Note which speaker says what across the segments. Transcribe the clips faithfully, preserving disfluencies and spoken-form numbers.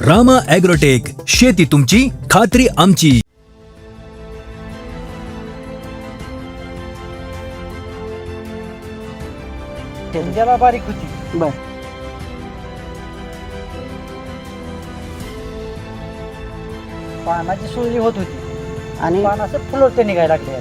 Speaker 1: Rama agrotech, शेती तुमची खात्री आमची.
Speaker 2: ज्याला बारीक होती
Speaker 3: बर
Speaker 2: पानाची सुरळी होत होती
Speaker 3: आणि
Speaker 2: पान असं फुलवते निघायला लागले.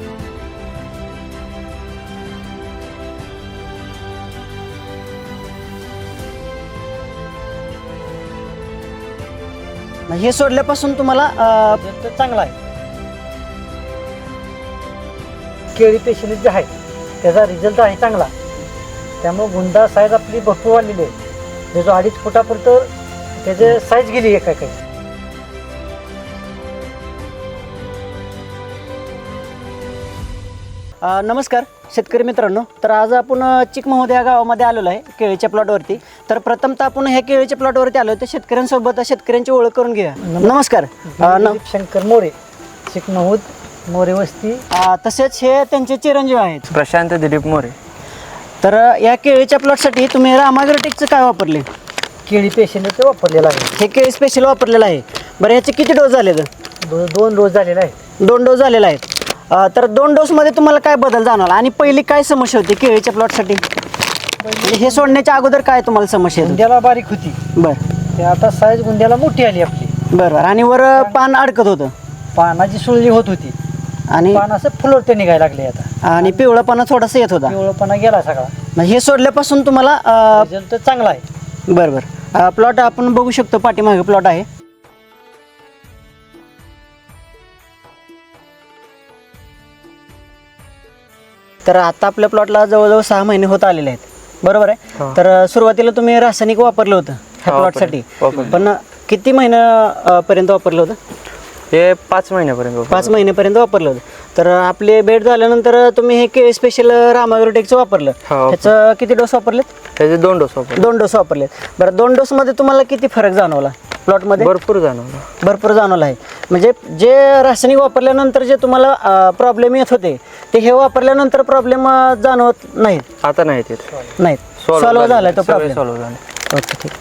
Speaker 3: हे सोडल्यापासून तुम्हाला अं,
Speaker 2: रिझल्ट चांगला आहे. केळी पेशंट जे आहे त्याचा रिझल्ट आहे चांगला. त्यामुळे गुंडा साईज आपली भरपूर वाढलेली आहे. त्याचं अडीच फुटापर्यंत त्याचे साईज गेली एका काही.
Speaker 3: अ, नमस्कार शेतकरी मित्रांनो. तर आज आपण अ, चिकमहोद या गावामध्ये आलेलो आहे केळीच्या प्लॉटवरती. तर प्रथमतः आपण ह्या केळीच्या प्लॉटवरती आलो तर शेतकऱ्यांसोबत शेतकऱ्यांची ओळख करून घेऊया. नमस्कार. अ, न-
Speaker 2: दिलीप शंकर मोरे, चिकमहूद, मोरे वस्ती.
Speaker 3: अ, तसेच हे त्यांचे चिरंजीव आहेत
Speaker 4: प्रशांत दिलीप मोरे.
Speaker 3: तर अ, या केळीच्या प्लॉटसाठी तुम्ही रामाग्रोटेकचं काय वापरले?
Speaker 2: केळी पेशंट वापरलेला आहे.
Speaker 3: हे केळी स्पेशल वापरलेलं आहे. बरं ह्याचे किती डोस झाले?
Speaker 2: दो- दोन डोस झालेला आहे.
Speaker 3: दोन डोस झालेला आहे. अ, तर दोन डोसमध्ये तुम्हाला काय बदल जाणवला आणि पहिली काय समस्या होती केळीच्या प्लॉटसाठी? म्हणजे हे सोडण्याच्या अगोदर काय तुम्हाला समस्या येत होती?
Speaker 2: गुंड्याला बारीक होती
Speaker 3: बरं
Speaker 2: ते आता साईज गुंड्याला मोठी आली आपली.
Speaker 3: बरं बरं. आणि वर पान अडकत होतं
Speaker 2: पानाची सुरळी होत होती.
Speaker 3: आणि
Speaker 2: पान असं फुलवते निघायला लागले. आता
Speaker 3: आणि पिवळापणा थोडासा येत होता.
Speaker 2: पिवळपणा गेला सगळा.
Speaker 3: म्हणजे हे सोडल्यापासून तुम्हाला अ,
Speaker 2: रिझल्ट चांगला आहे.
Speaker 3: बरं बरं. प्लॉट आपण बघू शकतो, पाठीमागे प्लॉट आहे. तर आता आपल्या प्लॉटला जवळजवळ सहा महिने होत आलेले आहेत, बरोबर आहे.
Speaker 4: हो.
Speaker 3: तर अ, सुरुवातीला तुम्ही रासायनिक वापरलं होतं ह्या
Speaker 4: हो,
Speaker 3: प्लॉटसाठी,
Speaker 4: वापरलं.
Speaker 3: पण किती महिन्या पर्यंत वापरलं होतं?
Speaker 4: हे पाच महिन्यापर्यंत वापरलं.
Speaker 3: पाच महिन्यापर्यंत वापरलं होतं. तर आपले बेड झाल्यानंतर तुम्ही हे केळी स्पेशल रामाग्रोटेकचं वापरलं.
Speaker 4: हो.
Speaker 3: ह्याचं किती डोस वापरलेत?
Speaker 4: त्याचे दोन डोस वापरले.
Speaker 3: दोन डोस वापरलेत. बरं, दोन डोसमध्ये तुम्हाला किती फरक जाणवला प्लॉटमध्ये?
Speaker 4: भरपूर जाणवलं.
Speaker 3: भरपूर जाणवलं आहे. म्हणजे जे रासायनिक वापरल्यानंतर जे तुम्हाला प्रॉब्लेम येत होते ते हे वापरल्यानंतर प्रॉब्लेम जाणवत नाहीत
Speaker 4: आता नाही ते
Speaker 3: नाहीत सॉल्व्ह झाला तो प्रॉब्लेम.
Speaker 4: सॉल्व्ह झाला.
Speaker 3: ओके, ठीक.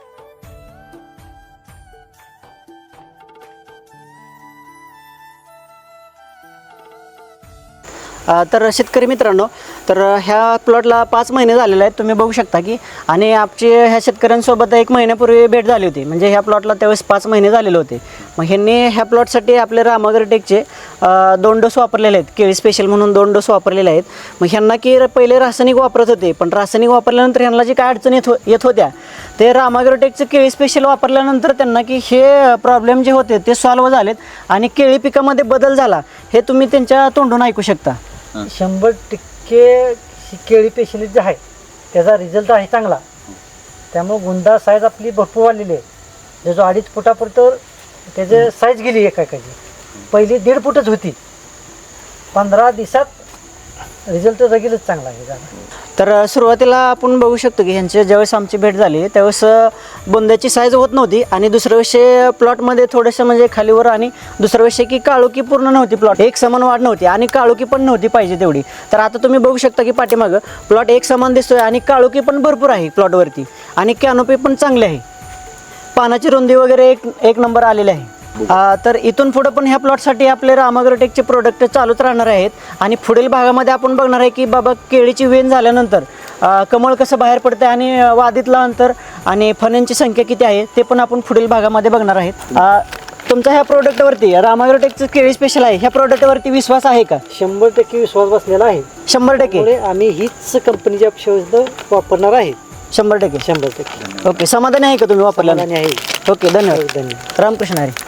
Speaker 3: अ, तर शेतकरी मित्रांनो, तर ह्या प्लॉटला पाच महिने झालेले आहेत, तुम्ही बघू शकता की. आणि आमची ह्या शेतकऱ्यांसोबत एक महिन्यापूर्वी भेट झाली होती. म्हणजे ह्या प्लॉटला त्यावेळेस पाच महिने झालेले होते. मग ह्यांनी ह्या प्लॉटसाठी आपले रामाग्रोटेकचे अ, दोन डोस वापरलेले आहेत, केळी स्पेशल म्हणून दोन डोस वापरलेले आहेत. मग ह्यांना की पहिले रासायनिक वापरत होते, पण रासायनिक वापरल्यानंतर ह्यांना जी काय अडचण येत हो येत होत्या ते रामाग्रोटेकचं केळी स्पेशल वापरल्यानंतर त्यांना की हे प्रॉब्लेम जे होते ते सॉल्व्ह झालेत आणि केळी पिकामध्ये बदल झाला हे तुम्ही त्यांच्या तोंडून ऐकू शकता.
Speaker 2: शंभर टक्के ही केळी पेशंट जे आहे त्याचा रिझल्ट आहे चांगला. त्यामुळे गुंडा साईज आपली भरपूर वाढलेली आहे. त्याचं अडीच फुटापर्यंत त्याचे साईज गेली एका एकाची. पहिली दीड फुटच होती. पंधरा दिवसात रिझल्ट जगेलच चांगला आहे झाला.
Speaker 3: तर सुरुवातीला आपण बघू शकतो की ह्यांची ज्यावेळेस आमची भेट झाली त्यावेळेस बोंद्याची साईज होत नव्हती आणि दुसऱ्या विषय प्लॉटमध्ये थोडंसं म्हणजे खालीवर आणि दुसरा विषय की काळोखी पूर्ण नव्हती. प्लॉट एक समान वाढ नव्हती आणि काळोखी पण नव्हती पाहिजे तेवढी. तर आता तुम्ही बघू शकता की पाठीमागं प्लॉट एक समान दिसतोय आणि काळोखी पण भरपूर आहे प्लॉटवरती आणि कॅनोपी पण चांगली आहे. पानाची रुंदी वगैरे एक एक नंबर आलेली आहे. आ, तर इथून पुढं पण ह्या प्लॉटसाठी आपले रामाग्रोटेकचे प्रोडक्ट चालूच राहणार आहेत. आणि पुढील भागामध्ये आपण बघणार आहे की बाबा केळीची वेन झाल्यानंतर आ, कमळ कसं बाहेर पडतं आणि वादीतलं अंतर आणि फण्यांची संख्या किती आहे ते पण आपण पुढील भागामध्ये बघणार आहेत. आ, तुमचा ह्या प्रोडक्टवरती रामाग्रोटेकचं केळी स्पेशल आहे ह्या प्रोडक्टवरती विश्वास आहे का?
Speaker 2: शंभर टक्के विश्वास बसलेला आहे.
Speaker 3: शंभर टक्के
Speaker 2: त्यामुळे आम्ही हीच कंपनीची औषध वापरणार आहे.
Speaker 3: शंभर टक्के
Speaker 2: शंभर टक्के
Speaker 3: ओके. समाधानी आहे का तुम्ही वापरल्याने?
Speaker 2: आहे.
Speaker 3: ओके, धन्यवाद.
Speaker 2: धन्यवाद.
Speaker 3: रामकृष्ण हरी.